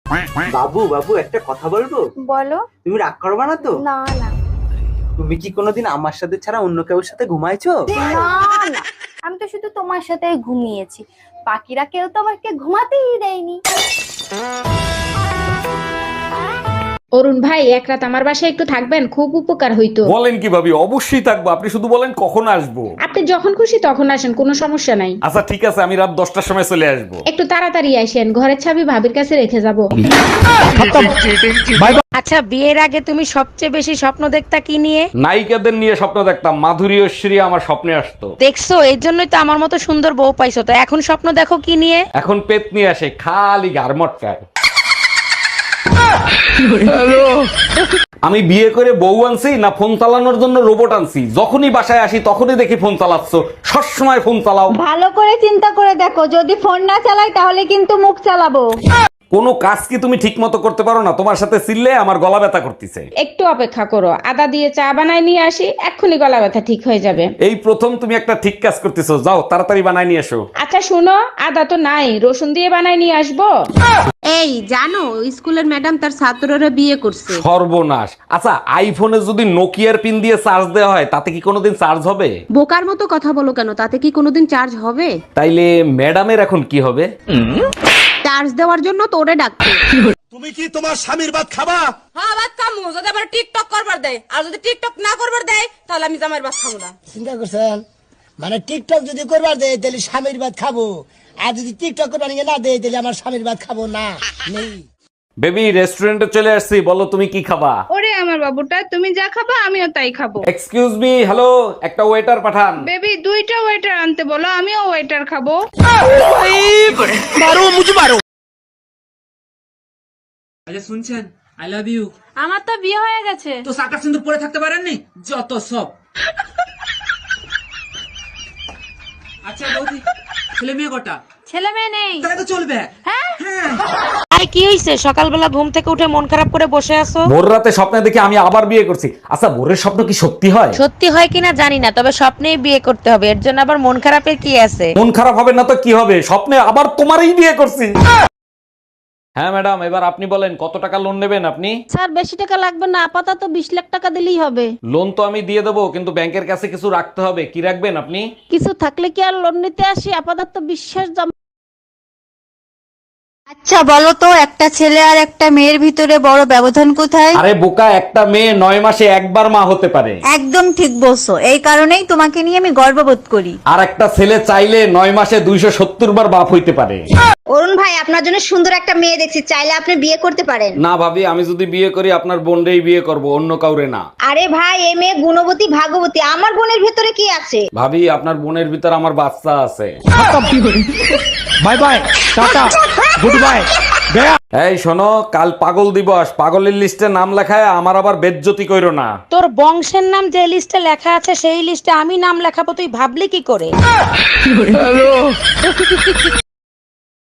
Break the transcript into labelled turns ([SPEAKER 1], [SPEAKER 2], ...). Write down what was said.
[SPEAKER 1] বাবু বাবু একটা কথা বলবো?
[SPEAKER 2] বলো।
[SPEAKER 1] তুমি রাগ করবে না তো?
[SPEAKER 2] না না
[SPEAKER 1] তুমি কি কোনোদিন আমার সাথে ছাড়া অন্য কারোর সাথে ঘুমাইছো?
[SPEAKER 2] না না, আমি তো শুধু তোমার সাথেই ঘুমিয়েছি, বাকিরা কেউ তো আমাকে ঘুমাতেই দেয়নি।
[SPEAKER 3] অরুণ ভাই, এক রাত আমার বাসায় একটু থাকবেন, খুব উপকার হইতো।
[SPEAKER 4] বলেন কি ভাবি, অবশ্যই থাকবো। আপনি শুধু বলেন কখন আসবো।
[SPEAKER 3] আপনি যখন খুশি তখন আসেন, কোনো সমস্যা নাই।
[SPEAKER 4] আচ্ছা ঠিক আছে, আমি রাত 10টার সময় চলে আসবো।
[SPEAKER 3] একটু তাড়াতাড়ি আসেন, ঘরের চাবি ভাবির কাছে রেখে যাব।
[SPEAKER 5] আচ্ছা, বিয়ের আগে তুমি সবচেয়ে বেশি স্বপ্ন দেখতা কি নিয়ে?
[SPEAKER 4] নায়িকাদের নিয়ে স্বপ্ন দেখতাম, মাধুরী ঐশ্বরী আমার স্বপ্নে আসতো।
[SPEAKER 5] দেখছো, এর জন্যই তো আমার মতো সুন্দর বউ পাইছো। তো এখন স্বপ্ন দেখো কি নিয়ে?
[SPEAKER 4] এখন পেত নিয়ে আসে, খালি গার মটকায়। আমি বিয়ে করে বউ আনছি না ফোন চালানোর জন্য রোবট আনছি? যখনই বাসায় আসি তখনই দেখি ফোন চালাচ্ছ, সবসময় ফোন চালাও।
[SPEAKER 6] ভালো করে চিন্তা করে দেখো, যদি ফোন না চালাই তাহলে কিন্তু মুখ চালাবো।
[SPEAKER 4] কোনো কাজ কি তুমি ঠিক মতো করতে পারো না? তোমার সাথে চিল্লে আমার গলা ব্যথা করতেছে।
[SPEAKER 3] একটু অপেক্ষা করো, আদা দিয়ে চা বানায় নিয়ে আসি, এক্ষুনি গলা ব্যথা ঠিক হয়ে যাবে।
[SPEAKER 4] এই প্রথম তুমি একটা ঠিক কাজ করতেছো, যাও তাড়াতাড়ি বানাই নিয়ে এসো।
[SPEAKER 3] আচ্ছা শুনো, আদা তো নাই, রসুন দিয়ে বানায় নিয়ে আসবো।
[SPEAKER 7] এই জানো, স্কুলের ম্যাডাম তার ছাত্ররা বিয়ে করছে।
[SPEAKER 4] সর্বনাশ। আচ্ছা, আইফোনে যদি নোকিয়ার পিন দিয়ে চার্জ দেওয়া হয় তাতে কি কোনোদিন চার্জ হবে?
[SPEAKER 7] বোকার মতো কথা বলো কেন, তাতে কি কোনোদিন চার্জ হবে?
[SPEAKER 4] তাইলে ম্যাডামের এখন কি হবে?
[SPEAKER 7] চার্জ দেওয়ার জন্য তোরে ডাকছে।
[SPEAKER 8] তুমি কি তোমার স্বামীর ভাত খাবা?
[SPEAKER 9] হ্যাঁ, ভাত খামু, যদি আবার টিকটক করবার দেয়। আর যদি টিকটক না করবার দেয় তাহলে আমি জামাইয়ের ভাত খাবো না।
[SPEAKER 8] চিন্তা করছেন? মানে টিকটক যদি করবার দেয় তাহলে স্বামীর ভাত খাবো, আর যদি টিকটক করবার না দেয় তাহলে আমার স্বামীর ভাত খাবো না। নেই।
[SPEAKER 4] বেবি, রেস্টুরেন্টে চলে আসছি, বলো তুমি কি খাবা?
[SPEAKER 10] ওরে আমার বাবুটা, তুমি যা খাবা আমিও তাই খাবো।
[SPEAKER 4] এক্সকিউজ মি, হ্যালো, একটা ওয়েটার পাঠান।
[SPEAKER 10] বেবি, দুইটা ওয়েটার আনতে বলো, আমিও ওয়েটার খাবো।
[SPEAKER 11] আচ্ছা শুনছেন, আই লাভ ইউ।
[SPEAKER 9] আমার তো বিয়ে হয়ে গেছে।
[SPEAKER 11] তো সাকা সিন্দুর পরে থাকতে পারেননি? যত সব। আচ্ছা বৌদি, ছেলে মেয়ে কটা?
[SPEAKER 9] ছেলে মেয়ে নেই।
[SPEAKER 11] তাহলে তো চলবে।
[SPEAKER 5] আরে কি হইছে, সকালবেলা ঘুম থেকে উঠে মন খারাপ করে বসে আছো?
[SPEAKER 4] ভোর রাতে স্বপ্নে দেখি আমি আবার বিয়ে করছি। আচ্ছা, ভোরের স্বপ্ন কি সত্যি হয়?
[SPEAKER 5] সত্যি হয় কিনা জানি না, তবে স্বপ্নেই বিয়ে করতে হবে, এর জন্য আবার মন খারাপের কি আছে?
[SPEAKER 4] মন খারাপ হবে না তো কি হবে, স্বপ্নে আবার তোমারই বিয়ে করছি। হ্যাঁ ম্যাডাম, এবার আপনি বলেন কত টাকা লোন নেবেন আপনি?
[SPEAKER 7] স্যার, বেশি টাকা লাগবে না, আপাতত 20 লাখ টাকা দিলেই হবে।
[SPEAKER 4] লোন তো আমি দিয়ে দেবো, কিন্তু ব্যাংকের কাছে কিছু রাখতে হবে। কি রাখবেন আপনি?
[SPEAKER 7] কিছু থাকলে কি আর লোন নিতে আসি? আপাতত বিশ্বাস জমা।
[SPEAKER 6] আচ্ছা বলো তো, একটা ছেলে আর একটা মেয়ের ভিতরে বড় ব্যবধান কোথায়?
[SPEAKER 4] আরে বোকা, একটা মেয়ে 9 মাসে একবার মা হতে পারে।
[SPEAKER 6] একদম ঠিক বলছো, এই কারণেই তোমাকে নিয়ে আমি গর্ববোধ করি।
[SPEAKER 4] আর একটা ছেলে চাইলে 9 মাসে 270 বার বাপ হইতে পারে।
[SPEAKER 6] অরুণ ভাই, আপনার জন্য সুন্দর একটা মেয়ে দেখছি, চাইলে আপনি বিয়ে করতে পারেন।
[SPEAKER 4] না ভাবি, আমি যদি বিয়ে করি আপনার বোনরেই বিয়ে করব, অন্য কাউরে না।
[SPEAKER 6] আরে ভাই, এই মেয়ে গুণবতী ভাগবতী, আমার বোনের ভিতরে কি আছে?
[SPEAKER 4] ভাবি, আপনার বোনের ভিতর আমার বাচ্চা আছে।
[SPEAKER 8] Bye bye, tata, good bye, গয়া।
[SPEAKER 4] এই শোনো, কাল পাগল দিবস, পাগলের লিস্টে নাম লেখায় আমার আবার বেজ্জতি কইরো না।
[SPEAKER 5] তোর বংশের নাম যে লিস্টে লেখা আছে সেই লিস্টে আমি নাম লেখাবো, তুই ভাবলি কি করে?